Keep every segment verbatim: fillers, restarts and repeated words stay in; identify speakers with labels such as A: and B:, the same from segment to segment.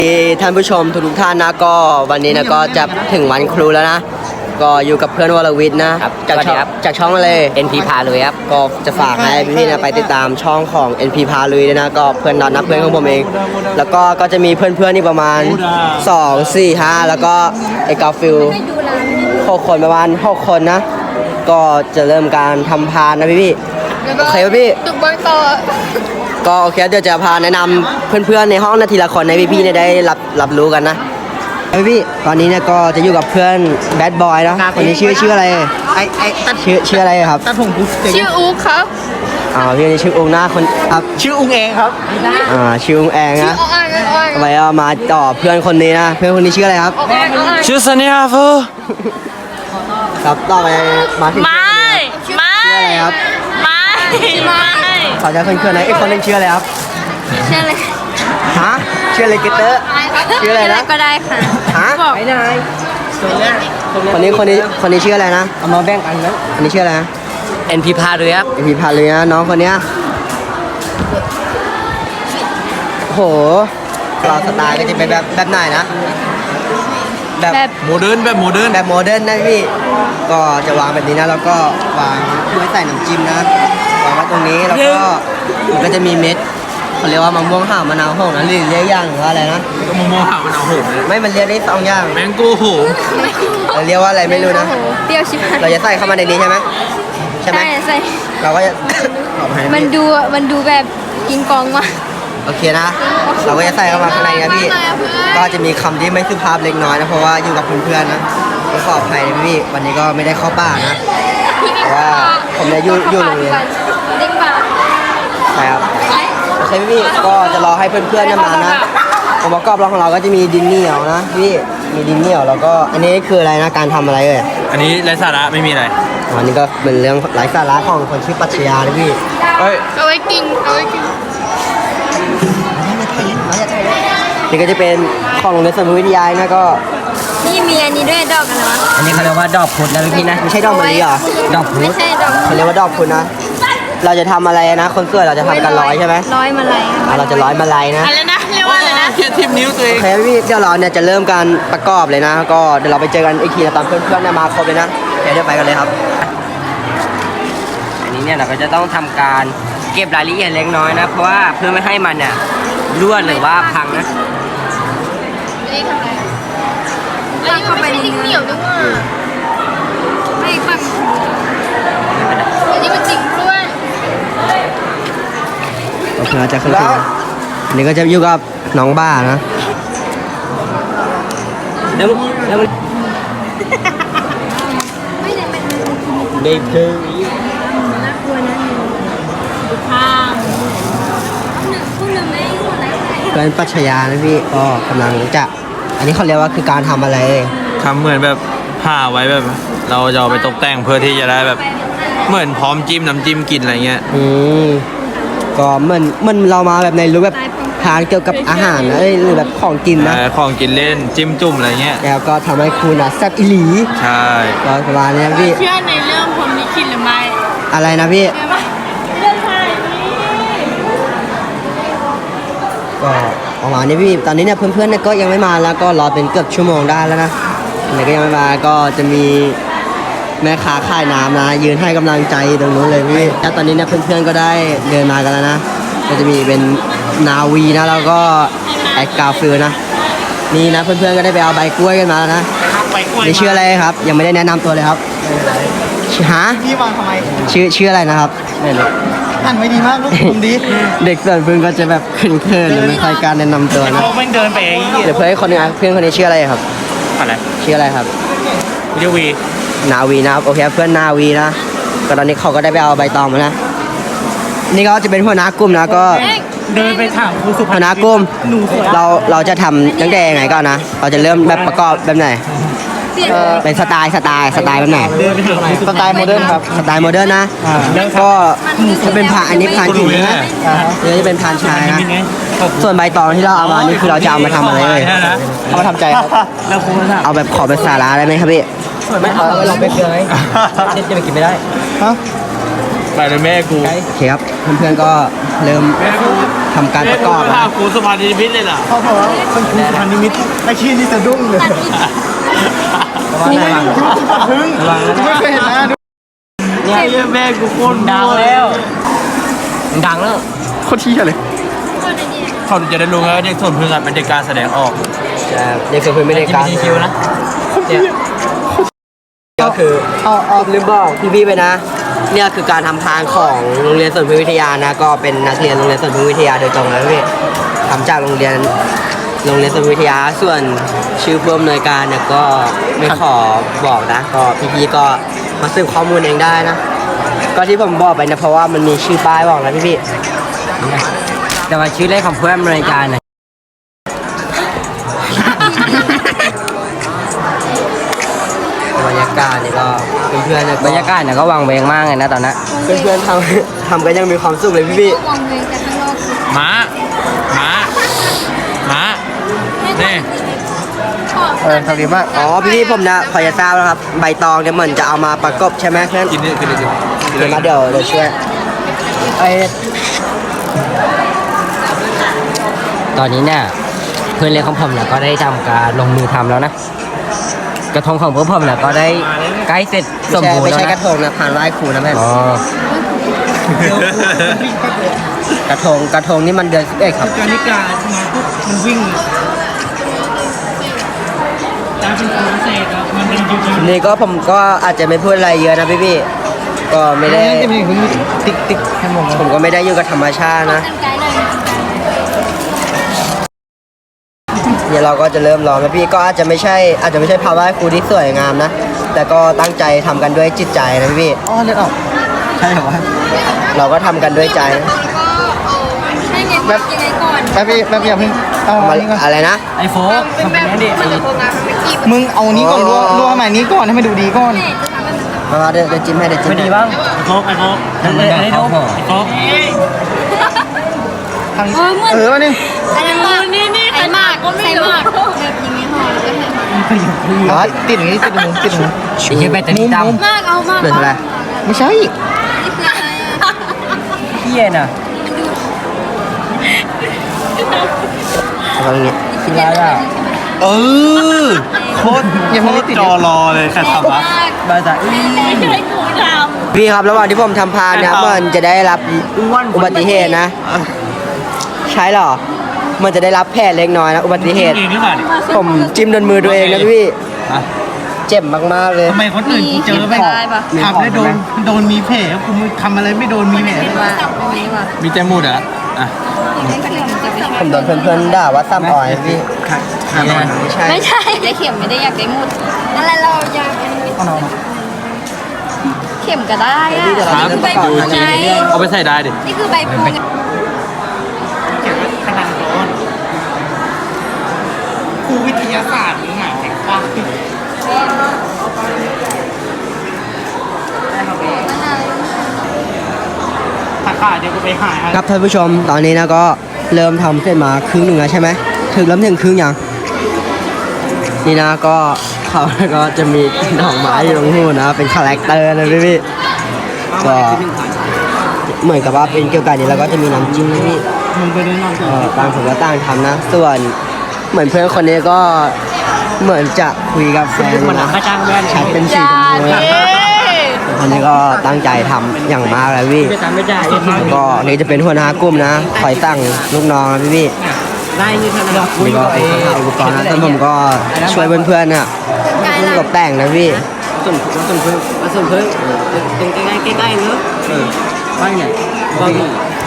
A: ท่านผู้ชมทุกท่านนะก็วันนี้นะก็จะถึงวันครูแล้วนะก็อยู่กับเพื่อนวรวิทย์นะครับจากช่องจากช่องอะไร
B: เอ็น พี พาลุยครับ
A: ก็จะฝากให้พี่ๆนะไปติดตามช่องของ เอ็น พี พาลุยด้วยนะก็เพื่อนนัดนะเพื่อนของผมเองแล้วก็ก็จะมีเพื่อนๆนี่ประมาณสอง สี่ ห้าแล้วก็ไอ้กาฟิลหกคนประมาณหกคนนะก็จะเริ่มการทำพานนะพี่ๆโอเคพี่
C: ตุกบางต่อ
A: ก็โอเคเดี๋ยวจะพาแนะนำเพื่อนๆในห้องนาทีละคนในพี่ๆเนี่ยได้รับรับรู้กันนะพี่ตอนนี้เนี่ยก็จะอยู่กับเพื่อนแบดบอยนะคนนี้ชื่อชื่ออะไรไอไอชื่อชื่ออะไรครับ
C: ตัดผมปุ๊บชื่ออุ๊กครับ
A: อ่าพี่นี่ชื่ออุ้งนะคนครับ
C: ชื่ออุ้งเองครับ
A: อ่าชื่ออุ้งแองนะทำไมเอามาต่อเพื่อนคนนี้นะเพื่อนคนนี้ชื่ออะไรครับ
B: ชื่อซันนี่ครับฟู
A: ครับต่อไปมาที่
B: ไม่ไม่
A: ชื่ออะไรครับ
B: ไม่ไม่
A: ขอจะเพื่อนๆนะไอ้คนนึงชื่ออะไรครับ
C: ชื่ออะไร
A: ฮะชื่ออะไรเกตเตอร์ชื่ออะไรนะ
C: ก็ได้ค่ะ
A: ฮะ
C: ไม่ได้
A: คนนี้คนนี้คนนี้ชื่ออะไรนะเอามาแบ่งกันนะคนนี้ชื่ออะไรนะ
B: เอ็น พี พาลุยครับ
A: เอ็น พี พาลุยนะน้องคนเนี้ยโหเราสไตล์ก็จะเป็นแบบแบบไหนนะแบบ
B: โมเดิร์นแบบโมเดิร์น
A: แบบโมเดิร์นนะพี่ก็จะวางแบบนี้นะแล้วก็วางด้วยใส่น้ำจิ้มนะวางไว้ตรงนี้แล้วก็มันก็จะมีเม็ดเขาเรียกว่ามะม่วงห่าวมะนาวโหงนะหรือเรียกย่างหรือว่าอะไรนะ
B: ก็มะม่วงห่าวมะนาวโหง
A: ไม่มันเรียกได้สองอย่าง
B: แมงโก้โหง
A: เราเรียกว่าอะไรไม่รู้นะ
C: เปรี้ยวชิบหาย
A: เราจะใส่เข้ามาในนี้ใช่ไหมใช่ไหม
C: ใส่
A: เราก็จะ
C: มันดูมันดูแบบกินกองมาก
A: โอเคนะเราก็จะใส่เข้ามาข้างในนะพี่ก็จะมีคำที่ไม่สุภาพเล็กน้อยนะเพราะว่าอยู่กับเพื่อนๆนะขออภัยนะพี่วันนี้ก็ไม่ได้เข้าป่านะเพราะว่าผมเนี่ยอยู่อยู่โรงเรียน
C: เด็กป่า
A: ใช่ครับโอเคพี่ก็จะรอให้เพื่อนๆมานะองค์ประกอบของเราก็จะมีดินเหนียวนะพี่มีดินเหนียวแล้วก็อันนี้คืออะไรนะการทำอะไรเอ่ย
B: อันนี้ไร้สาระไม่มีอะไร
A: อันนี้ก็เป็นเรื่องไร้สาระของคนชื่อปัชญานะพี่
B: เฮ้ย
C: เอาไว้กินเอาไว้กิน
A: นี่ก็จะเป็นของโรงเรียนสมุทรวิทยานะก็
C: นี่มีอันนี้ด้วยดอกอะไรวะ
A: อันนี้เขาเรียกว่าดอกพุธนะพี่นะไม่ใช่ดอกมะลิเหรอดอกพุธ
C: ไม่ใช่ดอก
A: เขาเรียกว่าดอกพุธนะเราจะทำอะไรนะคนสวยเราจะทำกันร้อยใช่ไหม
C: ร้อยมาลัย
A: เราจะร้อยมาลัยนะ
C: อะไรนะเรียกว่าอะไรนะ
B: เทียบทิมนิ้วตัวเอง
A: โอเคพี่เดี๋ยวเราเนี่ยจะเริ่มการประกอบเลยนะก็เดี๋ยวเราไปเจอกันอีกทีนะตอนเพื่อนๆมาครบเลยนะเดี๋ยวไปกันเลยครับอันนี้เนี่ยเราก็จะต้องทำการเก็บรายละเอียดเล็กน้อยนะเพราะว่าเพื่อไม่ให้มันเนี่ยรั่วหรือว่าพังนะ
C: ไม่ได้ทำอะไรอันนี้มันไม่ใช่ดินเหนียวด้วยว่าไม่ปังอันนี้มันจริงด้วย
A: โอเคจะขึ้นแล้วอันนี้ก็จะอยู่กับน้องบ้านะเดี๋ยวเดี๋ยวเด็กคือ
C: น่ากลัวนะข้างหนึ่งคู่หนึ่งไม่หมดแล้ว
A: เป็นปัชญานะพี่ก็กำลังจะอันนี้เขาเรียกว่าคือการทำอะไร
B: ทำเหมือนแบบผ้าไว้แบบเราจะเอาไปตกแต่งเพื่อที่จะได้แบบเหมือนพร้อมจิ้มน้ำจิ้มกินอะไรเงี้ย
A: อืมก็เหมือนเหมือนเรามาแบบในรูปแบบทานเกี่ยวกับอาหารนะหรือแบบของกินนะ
B: ของกินเล่นจิ้มจุ่มอะไรเงี้ย
A: แล้วก็ทำให้คุณอ่ะแซ่บอีหลี
B: ใช่
A: ก็ประมาณนี้พี่
C: เชื่อในเรื่องผมลิขิตหรือไม่
A: อะไรนะพี่
C: เรื่องอะไร
A: ก็ประมาณนี้พี่ตอนนี้เนี่ยเพื่อนๆเนี่ยก็ยังไม่มาแล้วก็รอเป็นเกือบชั่วโมงได้แล้วนะไหนก็ยังไม่มาก็จะมีแม่ค้าขายน้ำนะยืนให้กำลังใจตรงนู้นเลยพี่แล้วตอนนี้เนี่ยเพื่อนๆก็ได้เดินมากันแล้วนะก็จะมีเป็นนาวีนะแล้วก็แอดกาฟิลนะนี่นะเพื่อนๆก็ได้ไปเอาใบกล้วยกันมาแล้วนะนี่ชื่ออะไรครับยังไม่ได้แนะนำตัวเลยครับฮะ
C: พี่วางทำไม
A: ชื่อชื่ออะไรนะครับ
C: อ่านไม่ดีมากลูกผมดี
A: เด็กส่วนเพื่อนก็จะแบบเขินๆไม่ค่อยการแนะนำตัวนะ
B: เขาไม่เดินไป
A: เดี๋ยวเพื่อนคนนึงเพื่อนคนนี้ชื่ออะไรครับ
B: อะไร
A: ชื่ออะไรครับ
B: วิวี
A: นาวีนะครับโอเคเพื่อนนาวีนะก็ตอนนี้เขาก็ได้ไปเอาใบตองมานะนี่ก็จะเป็นหัวหน้ากลุ่มนะก็
B: เดินไปถามครูสุภาพ
A: หัวหน้ากลุ่มเราเราจะทำตั้งแต่ยังไงก่อนนะเราจะเริ่มแบบประกอบแบบไหนเป็นสไตล์สไตล์สไตล์แบบไหน
C: สไตล์โมเดิร์นครับ
A: สไตล์โมเดิร์นนะก็จะเป็นผ่านอันนี้ผ่านหญิงนะนี่จะเป็นผ่านชายนะส่วนใบตองที่เราเอามานี่คือเราจะเอามาทำอะไรเลยเอามาทำใจครับเอาแบบขอเป็นสาระได้ไหมครับพี่ไม่เอาเราไปเกลือไหมจะไปกินไม่ได้ฮะ
B: ไปเลยแม่กู
A: โอเคครับเพื่อนๆก็เริ่ม
B: แม่กู
A: ทำการประกอบ
B: แม่
A: นะ
B: กูกูสมาธิพิษเลยเหรอ
D: พ่อบอกว่ามันคือพันนิมิตไอ้ชี้นี่สะดุ้งเลยกูไม่รู้กูสะพึงกูไม่เคยเห็นนะดู
B: เนี่ยแม่กูโคตร
A: ดังแล้วดังแล้ว
D: โคตรชี้เลย
B: เขาจะได้รู้ไงว่าเด็กส่วนพึ่งอ่ะเป็นเด็กการแสดงออก
A: จะเด็กฝึกพื้นไม่ได้การ
B: คิวนะ
A: เนี่ยก็คืออ๋ออ๋อลืมบอกพี่ๆไปนะ เนี่ยคือการทำพานของโรงเรียนสวนพึ่งวิทยานะ ก็เป็นนักเรียนโรงเรียนสวนพึ่งวิทยาโดยตรงนะพี่ทำจากโรงเรียนโรงเรียนสวนพึ่งวิทยาส่วนชื่อผู้อำนวยการเนี่ยก็ไม่ขอบอกนะ ก็พี่ๆก็มาสืบข้อมูลเองได้นะ ก็ที่ผมบอกไปนะเพราะว่ามันมีชื่อป้ายบอกนะพี่ๆแต่ว่าชื่อเลขของผู้อำนวยการนะบรรยากาศนี่ก็เพื่อนๆบรรยากาศเนี่ยก็วางเวงมากเลยนะตอนนั้นเพื่อนๆทำทำกันยังมีความสุขเลยพี่
C: วางเวงแต่ข้างนอกคือ
B: ม้าม้าม้านี่
D: เออทำดีมาก
A: ๆอ๋อพี่ๆผมนะพอจะทราบแล้วครับใบตองเนี่ยเหมือนจะเอามาประกบใช่ไหมเพื่อน
B: กินนี่กินนี่กิน
A: เดี๋ยวมาเดี๋ยวเดี๋ยวช่วยไอตอนนี้เนี่ยเพื่อนเล็กของผมเนี่ยก็ได้ทำการลงมือทำแล้วนะกระทงของพวกผมเนี่ยก็ได้ใกล้เสร็จสมบูรณ์แล้วนะไม่ใช่กระทงนะผ่านไหว้ครูนะแม่อ๋อกระทงกระทงนี่มันเดือนสิบเอ็ดครับ
D: การนิกามาปุ๊บมันวิ่งตามเป็นตัวเศษครับมันเป็นจริง
A: ทีนี้ก็ผมก็อาจจะไม่พูดอะไรเยอะนะพี่ๆก็ไม่ได้
D: จะมีคนติ๊กติ๊กให้มอง
A: ผมก็ไม่ได้อยู่กับธรรมชาตินะ
C: กันไกลเลย
A: เดี๋ยวเราก็จะเริ่มร้องนะพี่ก็อาจจะไม่ใช่อาจจะไม่ใช่ภาพไหว้ครูที่สวยงามนะแต่ก็ตั้งใจทำกันด้วยจิตใจนะพี่
D: อ๋อเลือดออกใช่เหรอวะ
A: เราก็ทำกันด้วยใจ
C: แล้วก็เอาให้ไงแบบยังไงก่อน
D: แป๊บพี่แป๊บอย่าเพิ่งเอา
A: มา
D: อันนี้ก่อน
A: อะไรนะ
D: ไอโฟก
C: เป็นแบบมันจะโฟกัสมันเป็นกีบ
D: มึงเอานี้ก่อนรัวรัวใหม่นี้ก่อนให้มันดูดีก่อน
C: แม่จะทำให้มัน
A: มามาเดี๋ยวเดี๋ยวจิ้มให้เดี๋ยวจิ้มให้
D: ไอโฟกไอโฟกไอโฟกไอโฟกทาง
C: เออเหมือน
D: เออนึง
C: อันนั้นมากนี่นี่ใส่มากใส่มากแบบยังไม่หอมแล้วก็ใส่มาก
D: อ๋อติดอย่างนี้ติดมือติดมือ
A: ชิ้นไปแต่นี่ดำ
C: มากเอามาก
A: เดือดอะไร
D: ไม่ใช่
C: นี่คืออะไรอ่ะ
A: เที่ยน่ะเอาตรงนี้
C: คิดอะไรอ่ะ
B: เออ
D: โคตรยังไม่ได้ติด
B: จอรอเลยใครทำวะ
A: บาจ่า
C: ไม่ใช่กูท
A: พี่ครับระหว่างที่ผมทำพานเนี่ยมันจะได้รับอุบัติเหตุนะ ใช่เหรอ มันจะได้รับแผลเล็กน้อยนะอุบัติเหตุ
B: เองหรือเปล่าเนี่ย
A: ผมจิ้มโดนมือตัวเองนะพี่
B: ฮะ
A: เจ็บมากๆเลย
D: ทำไมคนอื่นกูเจอไปทำแล้วโดนโดนมีแผลกูทำอะไรไม่โดนมีแผล
C: ำว่าจับตรงนี้ว่ะ
B: มีแจมูดเหรออ่ะ
A: ผมโดนเพื่อนๆด่าว่าซ้ำอ่อยพี่ไม่ใช่
C: ไม่ใช่ได้เข็มไม่ได้อยากได้มุดอะไรเราอยากเป็น
D: เอาน้อง
C: เข็มก็ได้อ่ะ
A: เดี๋ยวเราจะเริ่มประกอบ
C: ใบ
A: นะ
C: ไง
B: เอาไปใส่ได้ดิ
C: นี่คือใบพลูไง
D: ครูวิทยาศาสตร์หรือหมายถึงว่าถ้าขาดเดี๋ยวกูไปหาย
A: ครับท่านผู้ชมตอนนี้นะก็เริ่มทำเสร็จมาครึ่งหนึ่งแล้วใช่ไหมถึงเริ่มถึงครึ่งยังนี่นะก็เขาก็จะมีดอกไม้อยู่ตรงหูนะเป็นคาแรคเตอร์นะพี่พี่ก็เหมือนกับว่าเป็นเกี่ยวกับนี้แล้วก็จะมีน้ำจิ้มนะพี่
D: มึงไปได้นอน
A: เอ่อต่างผมก็ต่างทำนะ ส่วนเหมือนเพื่อนคนนี้ก็เหมือนจะคุยกับแฟนนะแชทเป็นสีชมพูนะอันนี้ก็ตั้งใจทำอย่างมากเลยพี่แล้วก็นี่จะเป็นหัวหน้ากลุ่มนะคอยสั่งลูกน้องนะพี่พี่
D: ได้นี่ท่านดอก
A: นี่ก็เป็นคนทำอุปกรณ์นะแต่ผมก็ช่วยเพื่อนๆน่ะตกแต่งนะพี่ส่วนส่วนเพื่อนส่วนเพื่อนตรงใกล้ๆใกล้ๆเนอะบ้านไหนบ้าน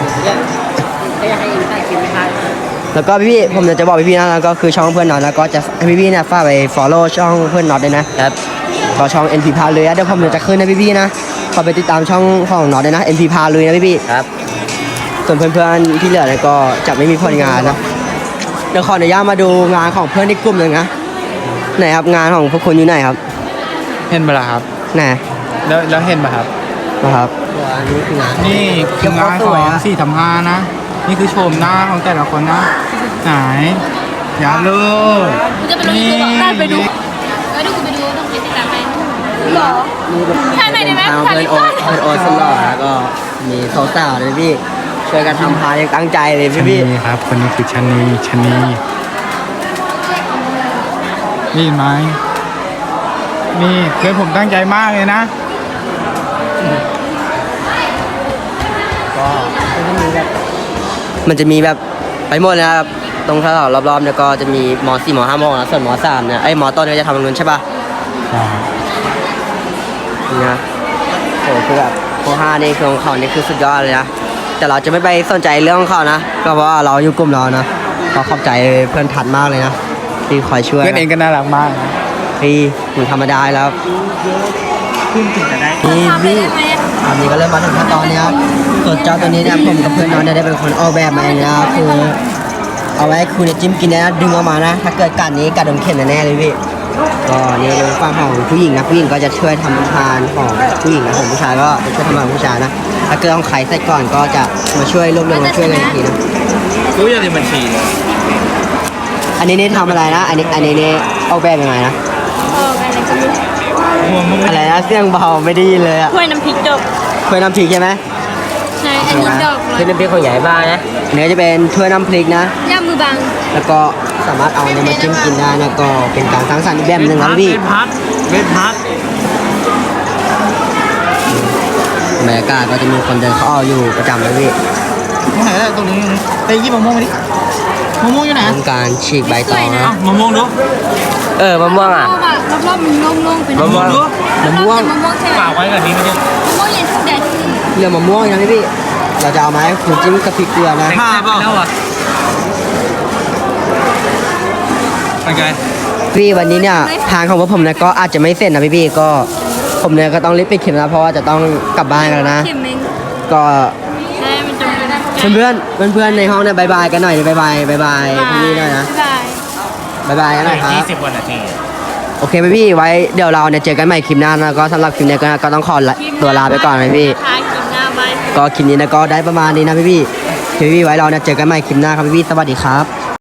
A: แล้วก็พี่ๆผมจะบอกพี่ๆนะแล้วก็คือช่องเพื่อนน็อตแล้วก็จะให้พี่ๆเนี่ยฝากไป follow ช่องเพื่อนน็อตด้วยนะครับก็ช่อง เอ็น พี พาเลยเดี๋ยวผมจะขึ้นให้พี่ๆนะขอไปติดตามช่องของน็อตด้วยนะ เอ็น พี พาเลยนะพี่ๆครับส่วนเพื่อนๆที่เหลือเนี่ยก็จะไม่มีผลงานนะเดี๋ยวขออนุญาตมาดูงานของเพื่อนในกลุ่มหนึ่งนะไหนครับงานของพวกคุณอยู่ไหนครับ
D: เห็นปะล่ะครับ
A: ไหน
D: แล้วแล้วเห็นปะครับ
A: นะครับอันนี้คืองาน
D: นี่คืองานของสี่ทำห้านะ นี่คือโฉมหน้าของแต่ละคนนะ ไหนอย่าเลย
C: มึงจะไปลงยูทูบได้ไปดูไปดูกูไปดูต้องไปติดตามไปหรอ
A: นี่เป็น
C: ถ่ายหน่อยได้ไหม
A: ทาง
C: ถ่าย
A: เพื่อน
C: รูป
A: โอ๊ตเพื่อนโอ๊ตสุดหล่อแล้วก็มีสาวๆเลยพี่ช่วยกันทำพานอย่างตั้งใจเลยพี่พี่
D: นี่ครับคนนี้คือชะนีชะนีนี่ไหมนี่เพื่อนผมตั้งใจมากเลยนะ
A: ก็มันจะมีแบบไปหมดนะครับตรงแถวๆรอบๆเนี่ยก็จะมีมสี่มห้ามนะส่วนมสามเนี่ยไอ้ยมต้นเนี่ยจะทำตรงนู้นใช่ปะนี่นะโอ้คือแบบมห้านี่คือของเขานี่คือสุดยอดเลยนะแต่เราจะไม่ไปสนใจเรื่องของเขานะก็เพราะว่าเราอยู่กลุ่มเรานะก็ขอบใจเพื่อนทัดมากเลยนะที่คอยช่วย
D: เพื่อนเองก็น่ารักมากนะ
A: พี่ถึงธรรมดาแล้ว
D: ขึ้นถึงจะได้
A: นี่
C: ทำไป
A: พี่
C: ได้ไหม
A: ตอนนี้ก็เริ่มมาถึงขั้นตอนนี้ครับส่วนเจ้าตัวนี้เนี่ยผมกับเพื่อนน้องเนี่ยได้เป็นคนออกแบบมาเองนะครับคือเอาไว้ให้คุณเนี่ยจิ้มกินนะดึงออกมานะ ถ้าเกิดกัดนี้กัดโดนเข็มแน่ๆเลยพี่ก็นี่เป็นฝั่งของผู้หญิงนะผู้หญิงก็จะช่วยทำทานของผู้หญิงนะของผู้ชายก็จะช่วยทำงานของผู้ชายนะถ้าเกิดต้องไขใส่ก่อนก็จะมาช่วยรวบรวมมาช่วยกันอีกทีนะ
B: รู้ยังในบัญชี
A: อันนี้นี่ทำอะไรนะ อันนี้อันนี้นี่ออกแบบยังไงนะ
C: เอออะไรก็ไม่รู้
A: อะไรนะเสียงเบาไม่ได้ยินเลยอะ
C: ถ้วยน้ำพริกดอก
A: ถ้วยน้ำพริกใช่ไหม
C: ใช่อันนี้ดอก
A: ถ้วยน้ำพริกของใหญ่บ้านนะเนื้อจะเป็นถ้วยน้ำพริกนะ
C: ย่ามือบัง
A: แล้วก็สามารถเอาเนี่ยมาจิ้มกินได้นะก็เป็นการสร้างสรรค์อีกแบบหนึ่งนะพี่
B: เป็นพัดเป็นพัด
A: บรรยากาศก็จะมีคนเดินเข้าออกอยู่ประจำเลยพี่
D: ตรงไหนล่ะตรงนี้ไปยี่มะม่วงมาดิมะม่วงอยู่ไหน
A: เป็นการฉีกใบตองนะ
B: อ่ะมะม่วงดู
A: เออมะม่วงอ่ะ
C: รอบๆรอบๆมันโล่งๆเป็น
A: มะม่วง
C: มะม่วงมะม่วงใช่ไหม
B: ฝากไว้กับนี้ไม่ใช่
C: มะม่วงเย็นทุกแดดที่นี่
A: เรื่องมะม่วงนะพี่พี่เราจะเอามาให้คุณจิ้มกับพริกเกลือนะ
B: ผ้าเปล่าไปไง
A: พี่วันนี้เนี่ยทางของพวกผมเนี่ยก็อาจจะไม่เสร็จนะพี่พี่ก็ผมเนี่ยก็ต้องรีบไปเข็มนะเพราะว่าจะต้องกลับบ้านกันแล้วนะ
C: เข็มเมง
A: ก็
C: ใช่มันจะไม่ได้
A: เพื่อนเพื่อนเพื่อนๆในห้องเนี่ยบายบายกันหน่อยบายบายบายบายพี่พี่หน่อยนะ
C: บ๊ายบาย
A: บายบายกันหน่อยครับ
B: ยี่สิบกว่านาที
A: โอเคไหมพี่ไว้เดี๋ยวเราเนี่ยเจอกันใหม่คลิปหน้านะก็สำหรับคลิปนี้ก็ก็ต้องขอละตัวลาไปก่อนนะพี่
C: ทายกินหน้าใบ
A: ก็คลิปนี้นะก็ได้ประมาณนี้นะพี่พี่พี่พี่ไว้เราเนี่ยเจอกันใหม่คลิปหน้าครับพี่พี่สวัสดีครับ